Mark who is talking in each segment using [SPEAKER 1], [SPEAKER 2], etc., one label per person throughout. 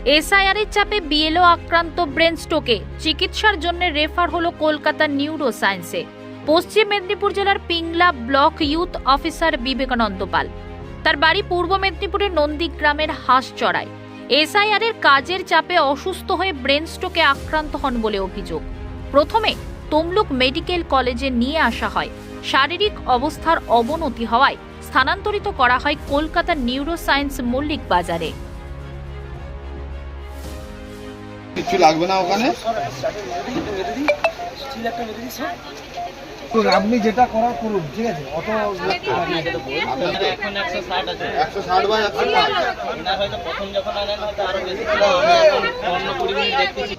[SPEAKER 1] SIR এর চাপে BLO আক্রান্ত ব্রেন স্ট্রোকে চিকিৎসার জন্য রেফার হলো কলকাতার নিউরো সায়েন্সে। পশ্চিম মেদিনীপুর জেলার Pingla block youth officer Vivekananda Pal. তার বাড়ি পূর্ব মেদিনীপুরের নন্দীগ্রামের হাঁসচড়ায়। এসআইআর এর কাজের চাপে অসুস্থ হয়ে ব্রেন স্ট্রোকে আক্রান্ত হন বলে অভিযোগ। প্রথমে তমলুক মেডিকেল কলেজে নিয়ে আসা হয়। শারীরিক অবস্থার অবনতি হওয়ায় স্থানান্তরিত করা হয় কলকাতার নিউরো সায়েন্স মল্লিক বাজারে।
[SPEAKER 2] কিছু লাগবে না ওখানে,
[SPEAKER 3] আপনি যেটা করার করুন, ঠিক আছে? অত
[SPEAKER 4] এখন 160 আছে,
[SPEAKER 2] 160 বাই 160।
[SPEAKER 4] হয়তো প্রথম যখন আনেন হয়তো আরো বেশি ছিল, অন্য 20 মিনিট দেখতেছি।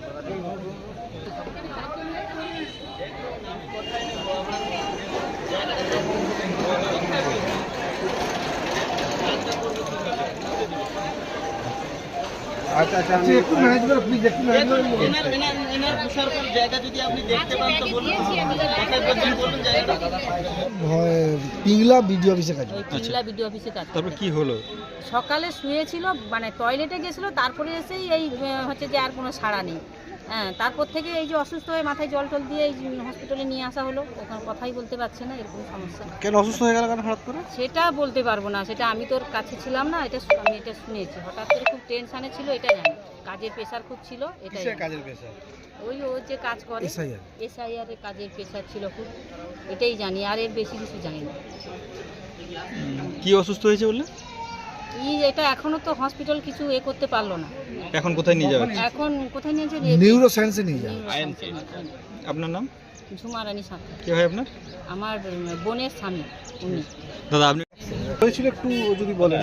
[SPEAKER 3] আচ্ছা আচ্ছা, আপনি একটু ম্যানেজ করে প্লিজ, একটু ম্যানেজ করে
[SPEAKER 4] এনার বসার পর জায়গা যদি আপনি দেখতে পান তো বলুন, কোথায় বলছেন বলুন জায়গাটা।
[SPEAKER 3] পিংলা বিডিও অফিসে কাজ।
[SPEAKER 5] পিংলা বিডিও অফিসে কাজ।
[SPEAKER 6] তারপর কি হলো?
[SPEAKER 5] সকালে শুয়েছিল, মানে টয়লেটে গেছিল, তারপরে এসেই এই হচ্ছে যে আর কোনো সাড়া নেই। হ্যাঁ, তারপর থেকে এই যে অসুস্থ হয়ে মাথায় জল টল দিয়ে এই হসপিটালে নিয়ে আসা হলো। ওখানে কথাই বলতে পারছে না, এরকম সমস্যা।
[SPEAKER 3] কেন অসুস্থ হয়ে গেল কেন হঠাৎ করে?
[SPEAKER 5] সেটা বলতে পারবো না, সেটা আমি তোর কাছে ছিলাম না, আমি এটা শুনেছি। হঠাৎ করে খুব টেনশানে ছিল, এটা জানি। কাজের প্রেশার খুব ছিল, এটা
[SPEAKER 3] কাজের পেশা,
[SPEAKER 5] ওই ও যে কাজ করে এসআইআর এর কাজের প্রেশার ছিল খুব, এটাই জানি, আর এর বেশি কিছু জানি না।
[SPEAKER 6] কি অসুস্থ হয়েছে বললে?
[SPEAKER 5] এটা এখনো তো হসপিটাল কিছু করতে পারলো না।
[SPEAKER 6] এখন কোথায় নিয়ে যাবে?
[SPEAKER 5] এখন কোথায় নিয়েছে?
[SPEAKER 3] নিউরো সায়েন্সে নিয়ে যাবে।
[SPEAKER 6] আপনার নাম?
[SPEAKER 5] ঝুমা রানী সাঁতরা।
[SPEAKER 6] কি হয় আপনার?
[SPEAKER 5] আমার বোনের স্বামী উনি।
[SPEAKER 6] দাদা আপনি
[SPEAKER 3] হয়েছিল একটু যদি বলেন।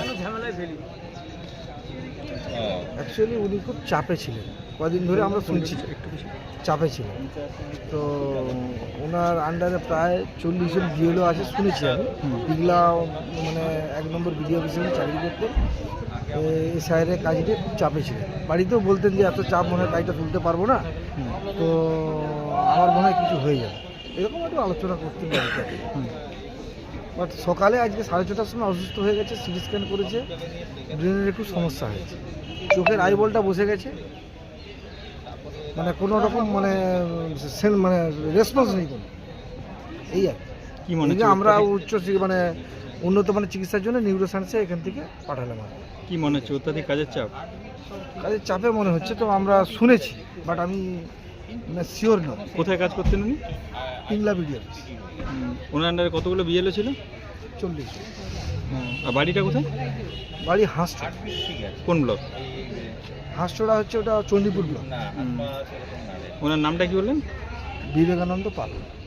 [SPEAKER 3] অ্যাকচুয়ালি উনি খুব চাপে ছিলেন, কদিন ধরে আমরা শুনছি চাপে ছিলেন। তো ওনার আন্ডারে প্রায় 40 জন বিএলও আছে শুনেছি আমি। পিংলা মানে 1 নম্বর বিডিও অফিসে চাকরি করতেন। এসআইআরের কাজটি খুব চাপে ছিলেন। বাড়িতেও বলতেন যে এত চাপ মনে হয় কাজটা তুলতে পারবো না, তো আমার মনে হয় কিছু হয়ে যাবে, এরকম একটু আলোচনা করতে পারি। বাট সকালে আজকে 6:30টার সময় অসুস্থ হয়ে গেছে, সিটি স্ক্যান করেছে, ব্রেনের একটু সমস্যা হয়েছে, চোখের আইবলটা বসে গেছে, মানে কোনো রকম মানে রেসপন্স নেই কোনো, এই আর
[SPEAKER 6] কি মনে
[SPEAKER 3] কি। আমরা মানে উন্নত মানের চিকিৎসার জন্য নিউরো সায়েন্সে এখান থেকে পাঠালাম।
[SPEAKER 6] কি মনে হচ্ছে? অত্যাধিক কাজের চাপ?
[SPEAKER 3] কাজের চাপে মনে হচ্ছে, তো আমরা শুনেছি, বাট আমি শিওর না।
[SPEAKER 6] কোথায় কাজ করতেন উনি?
[SPEAKER 3] Pingla BDO office.
[SPEAKER 6] ওনার আন্ডারে কতগুলো বিএলও ছিল?
[SPEAKER 3] 40।
[SPEAKER 6] আর বাড়িটা কোথায়?
[SPEAKER 3] বাড়ি হাঁসচড়া।
[SPEAKER 6] কোন ব্লক?
[SPEAKER 3] হাঁসচড়া হচ্ছে ওটা চণ্ডীপুর ব্লক।
[SPEAKER 6] ওনার নামটা কি বললেন?
[SPEAKER 3] বিবেকানন্দ পাল।